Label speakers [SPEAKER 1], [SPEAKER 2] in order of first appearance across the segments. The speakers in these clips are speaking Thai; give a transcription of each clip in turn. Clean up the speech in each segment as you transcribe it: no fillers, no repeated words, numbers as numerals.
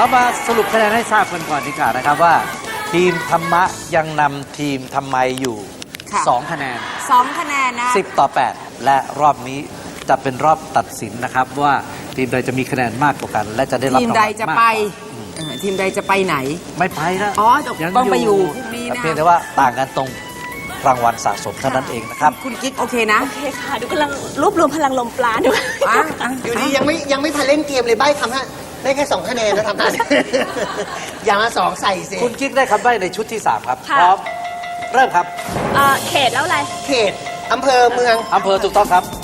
[SPEAKER 1] เรามาสรุปคะแนนให้ทราบกันก่อนดีกว่านะครับว่า ทีมธรรมะยังนำทีมทำไมอยู่2 คะแนน
[SPEAKER 2] 2 คะแนนนะ
[SPEAKER 1] 10 ต่อ 8 และรอบนี้จะเป็นรอบตัดสินนะครับว่าทีมใดจะมีคะแนนมากกว่ากัน และจะได้รับ
[SPEAKER 2] ทีมใดจะไปทีมใดจะไปไหน
[SPEAKER 1] ไม่ไปนะ
[SPEAKER 2] อ๋อต้องไปอยู่พรุ่งนี้นะ
[SPEAKER 1] เพียงแต่ว่าต่างกันตรงรางวัลสะสมเท่านั้นเองนะครับ
[SPEAKER 2] คุณกิ๊กโอเคนะ
[SPEAKER 3] โอเคค่ะดูกำลังรวบรวมพลังลมปราณด้วย
[SPEAKER 4] อยู่ดียังไม่ทันเล่นเกมเลยใบ้คำฮะได้แค่2 คะแนนนะทำได้อย่างละ2ใส่สิ
[SPEAKER 1] คุณกิ๊กได้คำใบ้ในชุดที่3ครับพร้อมเริ่มครับ
[SPEAKER 3] เขตแล้วอะไร
[SPEAKER 4] เขตอำเภอเมือง
[SPEAKER 1] อำเภอถูกต้องครับ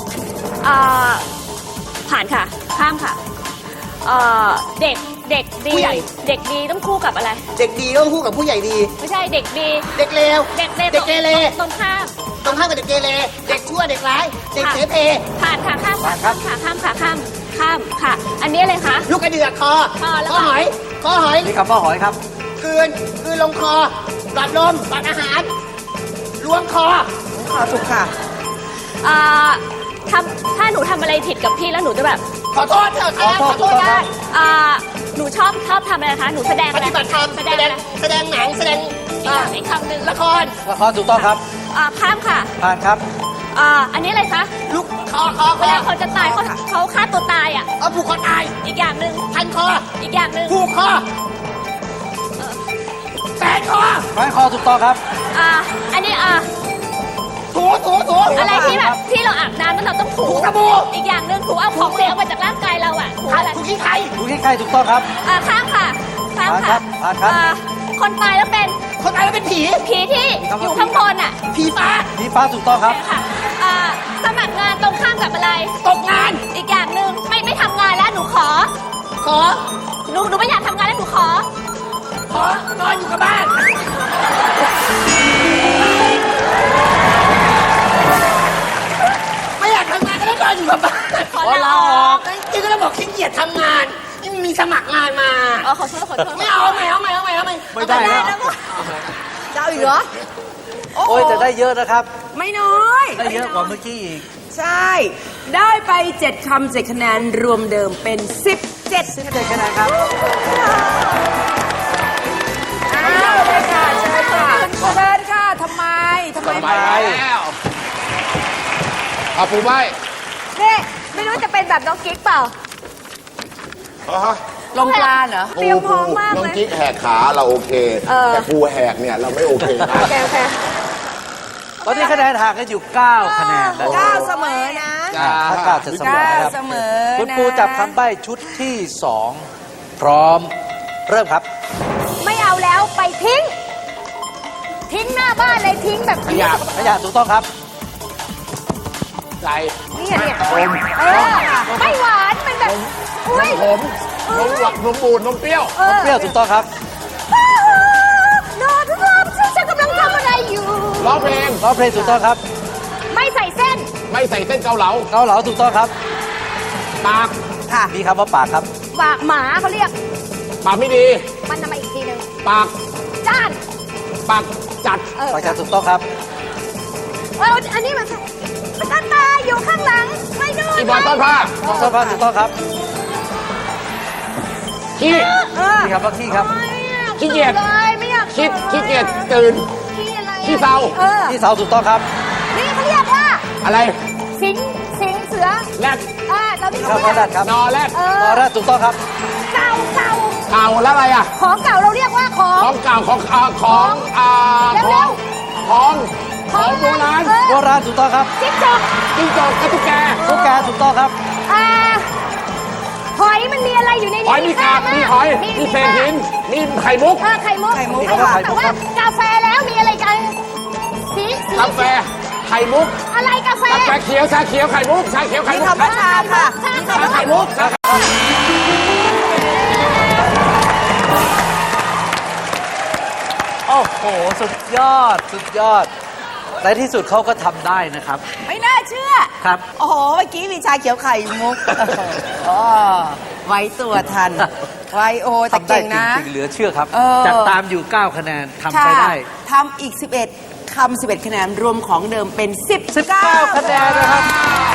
[SPEAKER 3] ผ่านค่ะข้ามค่ะเด็กดีเด็กดีต้องคู่กับอะไร
[SPEAKER 4] เด็กดีต้องคู่กับผู้ใหญ่ดี
[SPEAKER 3] ไม่ใช่เด็กดี
[SPEAKER 4] เด็กเลว
[SPEAKER 3] เด็กเกเรตรงข้าม
[SPEAKER 4] กับเด็กเกเรเด็กชั่วเด็กร้ายเด็กเสเพ
[SPEAKER 3] ผ่านค่ะข้ามค่ะอันนี้อะไรคะ
[SPEAKER 4] ลูกกระเดือกคอหอย
[SPEAKER 1] นี่คำว่าหอยครับ
[SPEAKER 4] คืนลงคอหลอดลมหลอดอาหารล้วงคอ
[SPEAKER 2] ถูกค่ะ
[SPEAKER 3] ถ้าหนูทำอะไรผิดกับพี่แล้วหนูจะแบบ
[SPEAKER 4] ขอโทษเถอะขอโทษได้
[SPEAKER 3] หนูชอบทำอะไรคะหนูแสดงอะไร
[SPEAKER 4] ปฏิบัติธรรมแสดงหนังแสดง
[SPEAKER 3] อีกคำหนึ่ง
[SPEAKER 4] ละคร
[SPEAKER 1] ถูกต้องครับ
[SPEAKER 3] ข้ามค่ะ
[SPEAKER 1] ผ่านครับ
[SPEAKER 3] อันนี้อะไรคะ
[SPEAKER 4] ลูกคอ
[SPEAKER 3] เวลาคนจะตายเขาฆ่าตัวตาย
[SPEAKER 4] ผูกคอตาย
[SPEAKER 3] อีกอย่างหนึ่ง
[SPEAKER 4] พันคอ
[SPEAKER 3] อีกอย่างหนึ่ง
[SPEAKER 4] ผูกคอแฝงค
[SPEAKER 1] อถูกต้องครับ
[SPEAKER 3] อันนี้
[SPEAKER 4] ถู
[SPEAKER 3] อะไรที่แบบที่เราอาบน้ำแล้วเราต้องถู
[SPEAKER 4] สบู่
[SPEAKER 3] อีกอย่างหนึ่งถูเอาของเหลวมาจากร่างกายเราถูอะไร
[SPEAKER 4] ถูขี้ไข่
[SPEAKER 1] ถูกต้องครับ
[SPEAKER 3] ข้ามค่ะ
[SPEAKER 1] ผ่านครับ
[SPEAKER 3] คนตายแล้วเป็น
[SPEAKER 4] ผี
[SPEAKER 3] ที่อยู่ข้างบน
[SPEAKER 4] ผีฟ้
[SPEAKER 1] าถูกต้องครับ
[SPEAKER 3] ค่ะสมัครงานตรงข้ามกับอะไร
[SPEAKER 4] ตกงาน
[SPEAKER 3] อีกอย่างหนึ่งไม่ทำงานแล้วหนูขอหนูไม่อยากทำงานแล้วหนูข
[SPEAKER 4] อนอนอยู่กับบ้านไม่อยากทำงานก็ต้องนอนอยู่กับบ้าน
[SPEAKER 3] ขอลาออก
[SPEAKER 4] นี่ก็ต้องบอกขี้เกียจทำงานนี่มีสมัครงานมา
[SPEAKER 3] ขอโทษ
[SPEAKER 4] ไม่เอาไม่
[SPEAKER 1] ได้แล้ว
[SPEAKER 2] จะเอาอีกเหรอ
[SPEAKER 1] โอ้ยแต่ได้เยอะนะครับ
[SPEAKER 2] ไม่น้อย
[SPEAKER 1] ได้เยอะกว่าเมื่อกี้อีก
[SPEAKER 2] ใช่ได้ไป7 คำ 7 คะแนนรวมเดิมเป็น17
[SPEAKER 1] คะแนนครับ
[SPEAKER 2] เลยค่ะเชิญค่ะทำไม
[SPEAKER 5] แล้วเอาปูใบ
[SPEAKER 3] นี่ไม่รู้จะเป็นแบบน้องกิ๊กเปล่า
[SPEAKER 2] ลงปลาเหรอ
[SPEAKER 3] เตรียมพร้อมมากเลย
[SPEAKER 5] น้องกิ๊กแหกขาเราโอเคแต่ปูแหกเนี่ยเราไม่โอเคนะ
[SPEAKER 3] โอเค
[SPEAKER 1] ตอนนี้คะแนนห่างกันอยู่9 คะแนน
[SPEAKER 2] 9เสมอนะ
[SPEAKER 1] ถ้า9จะเสมอนะครับคุณปูจับคำใบ้ชุดที่2พร้อมเริ่มครับ
[SPEAKER 3] ไม่เอาแล้วไปทิ้งหน้าบ้านเลยทิ้งแบบ
[SPEAKER 1] ขยะถูกต้องครับ
[SPEAKER 5] ไร
[SPEAKER 3] เนี่ยไม่หวานเป็นแบบ
[SPEAKER 5] นมบูดนมเปรี้ยว
[SPEAKER 1] ถูกต้องครับ
[SPEAKER 3] นอนทุกคนฉันกำลังทำอะไรอยู่
[SPEAKER 5] ร้องเพลง
[SPEAKER 1] ถูกต้องครับ
[SPEAKER 3] ไม่ใส่เส้น
[SPEAKER 5] เกาเหลา
[SPEAKER 1] ถูกต้องครับ
[SPEAKER 5] ปาก
[SPEAKER 1] ค่ะมีคำว่าปากครับ
[SPEAKER 3] ปากหมาเขาเรียก
[SPEAKER 5] ปากไม่ดี
[SPEAKER 3] มันทำมาอีกทีนึง
[SPEAKER 5] ปาก
[SPEAKER 3] จ้าน
[SPEAKER 5] ปากจัด
[SPEAKER 1] ถูกต้องครับ
[SPEAKER 3] อันนี้มันตาอยู่ข้างหลังไม่ดู
[SPEAKER 5] อีบอลต้นผ้า
[SPEAKER 1] ถูกต้องครับ
[SPEAKER 5] ขี้
[SPEAKER 1] ครับว่าขี้ครับ
[SPEAKER 5] ขี้เกียจ
[SPEAKER 3] ไม่อยาก
[SPEAKER 5] ขี้เกียจตื่นขี้เศร้า
[SPEAKER 1] ถูกต้องครับ
[SPEAKER 3] นี่เขาเรียกว่า
[SPEAKER 5] อะไร
[SPEAKER 3] สิงเสือ
[SPEAKER 5] แรด
[SPEAKER 3] เราที่
[SPEAKER 1] เขาเรียก
[SPEAKER 5] นอแรด
[SPEAKER 1] ถูกต้องครับ
[SPEAKER 3] เก่า
[SPEAKER 5] แล้วอะไร
[SPEAKER 3] ของเก่าเราเรียกว่า
[SPEAKER 5] ของเก่าของโบราณ
[SPEAKER 1] ถูกต้องครับ
[SPEAKER 3] จิ้งจก
[SPEAKER 5] กับตุ๊กแก
[SPEAKER 1] ถูกต้องครับ
[SPEAKER 3] หอยมันมีอะไรอยู่ในนี้
[SPEAKER 5] หอยมีกาบมีหอยมีเศษหินมีไข่มุก
[SPEAKER 3] แต่ว่ากาแฟแล้วมีอะไรกัน
[SPEAKER 5] กาแฟไข่มุก
[SPEAKER 3] อะไรกาแฟ
[SPEAKER 5] เขียวชาเขียวไข่มุก
[SPEAKER 2] มีคำว่าชาค่ะ
[SPEAKER 5] ไข่มุก
[SPEAKER 1] โอ้โหสุดยอดในที่สุดเขาก็ทำได้นะครับ
[SPEAKER 2] ไม่น่าเชื่อ
[SPEAKER 1] ครับ
[SPEAKER 2] โอ้โหเมื่อกี้มีชาเขียวไข่มุกไว้ตัวทันไวโอแต่เก่งนะ
[SPEAKER 1] จริงเหลือเชื่อครับจากตามอยู่9 คะแนนทำไปได้
[SPEAKER 2] ทำอีก11 คำ 11 คะแนนรวมของเดิมเป็น
[SPEAKER 1] 19 คะแนนนะครับ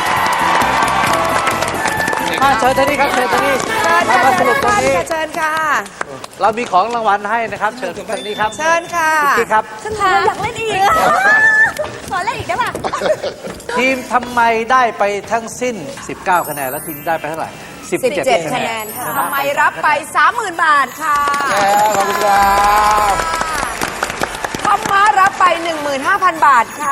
[SPEAKER 1] มาเชิญท่านนี้ครับเชิญท่านนี้มาสรุปตรงนี้
[SPEAKER 2] เชิญค่ะ
[SPEAKER 1] เรามีของรางวัลให้นะครับ เชิญทางนี้ครับ
[SPEAKER 2] เชิญค่ะ
[SPEAKER 1] คุณกิ๊กครับ
[SPEAKER 3] ฉันอยากเล่นอีก ขอเล่นอีกได้ป่ะ
[SPEAKER 1] ทีมทำไมได้ไปทั้งสิ้น 19 คะแนน แล้วทีมได้ไปเท่าไหร่
[SPEAKER 2] 17 คะแนนค่ะทำไมรับไป 30,000 บาทค่ะ
[SPEAKER 5] ขอบคุณครับ
[SPEAKER 2] ทำมารับไป 15,000 บาทค่ะ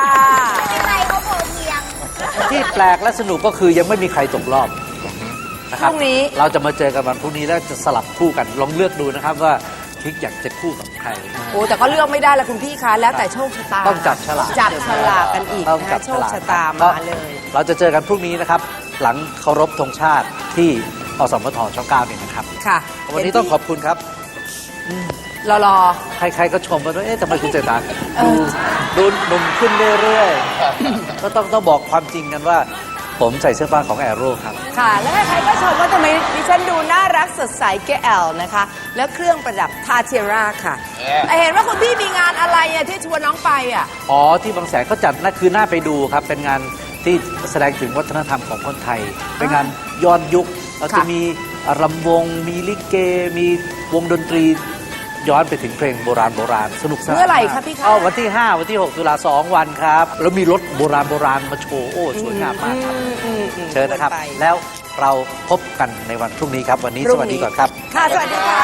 [SPEAKER 1] ที่แปลกและสนุกก็คือยังไม่มีใครตกรอบนะ
[SPEAKER 2] พ
[SPEAKER 1] ครับ
[SPEAKER 2] รุ่งนี้
[SPEAKER 1] เราจะมาเจอกันวันพรุ่งนี้แล้วจะสลับคู่กันลองเลือกดูนะครับว่าคิกอยากจะคู่กับใคร
[SPEAKER 2] โอ้แต่ก็เลือกไม่ได้ละคุณพี่คะแล้วแต่โชคชะตา
[SPEAKER 1] ต้องจับฉลาก
[SPEAKER 2] จับฉลากกันอีก
[SPEAKER 1] ต้อง
[SPEAKER 2] นะ
[SPEAKER 1] จั
[SPEAKER 2] คะ
[SPEAKER 1] บ
[SPEAKER 2] โช
[SPEAKER 1] ฉ
[SPEAKER 2] ค
[SPEAKER 1] ลาก
[SPEAKER 2] ชะตามาเลย
[SPEAKER 1] เราจะเจอกันพรุ่งนี้นะครับ หลังเคารพธงชาติที่อสมทช่อง9เนี่ยนะครับ
[SPEAKER 2] ค่ะ
[SPEAKER 1] วันนี้ต้องขอบคุณครับ
[SPEAKER 2] รอ
[SPEAKER 1] ใครๆก็ชมว่าเอ๊ะทำไมคุณเจตาดูหนุ่มขึ้นเรื่อยๆ ก็ต้องบอกความจริงกันว่า ผมใส่เสื้อผ้าของแอโร่ครับ
[SPEAKER 2] ค่ะ แล้วใครๆก็ชมว่าทำไมดิฉันดูน่ารักสดใสแกแอลนะคะ แล้วเครื่องประดับทาเทียร่าค่ะแต่เห็นว่าคุณพี่มีงานอะไรอะที่ชวนน้องไปอะ
[SPEAKER 1] อ๋อ ที่บางแสนเขาจัดนั่นคือหน้าไปดูครับ เป็นงานที่แสดงถึงวัฒนธรรมของคนไทย เป็นงานย้อนยุค เราจะมีรำวง มีลิเก มีวงดนตรีย้อนไปถึงเพลงโบราณสนุกสนาน
[SPEAKER 2] เมื่อไหร่คะพี่คะ
[SPEAKER 1] วันที่ 5 วันที่ 6 ตุลา2 วันครับ แล้วมีรถโบราณมาโชว์ โอ้ สวยงามมากครับ เชิญนะครับ
[SPEAKER 2] ไป
[SPEAKER 1] แล้วเราพบกันในวันพรุ่งนี้ครับ วันนี้สวัสดีก่อนครับ
[SPEAKER 2] ค่ะ สวัสดีค่ะ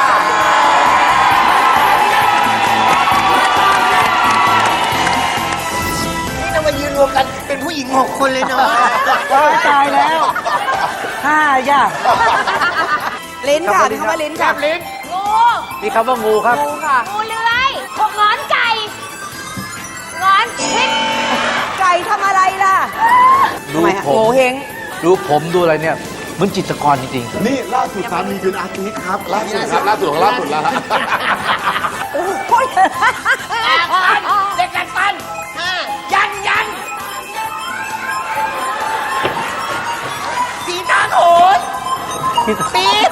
[SPEAKER 4] นี่เรามายืนรวมกันเป็นผู้หญิง6 คนเลยเนาะ
[SPEAKER 1] ตายแล้ว5ย่า
[SPEAKER 2] ลิ้นค่ะมีคำว่าลิ้นค่ะ
[SPEAKER 3] งู
[SPEAKER 1] มีคำว่างูครับ
[SPEAKER 2] งูค่ะ
[SPEAKER 3] งูเลื้อยหกงอนไก่งอนพริก
[SPEAKER 2] ไก่ทำอะไรล่ะ
[SPEAKER 1] ดู
[SPEAKER 2] ทำไมฮะ
[SPEAKER 1] ผม
[SPEAKER 2] โง่เฮง
[SPEAKER 1] ดูผมดูอะไรเนี่ยเหมือนจิตรกรจริงๆ
[SPEAKER 5] นี่ล่าสุดสามีเป็นอาร์ติสต์ครับ ล่าสุดครับ ล่าสุดของล่าสุดแล้วฮะ
[SPEAKER 2] โอ้โห
[SPEAKER 4] เด็กดัดฟันยังสีตาโขนปี๊ด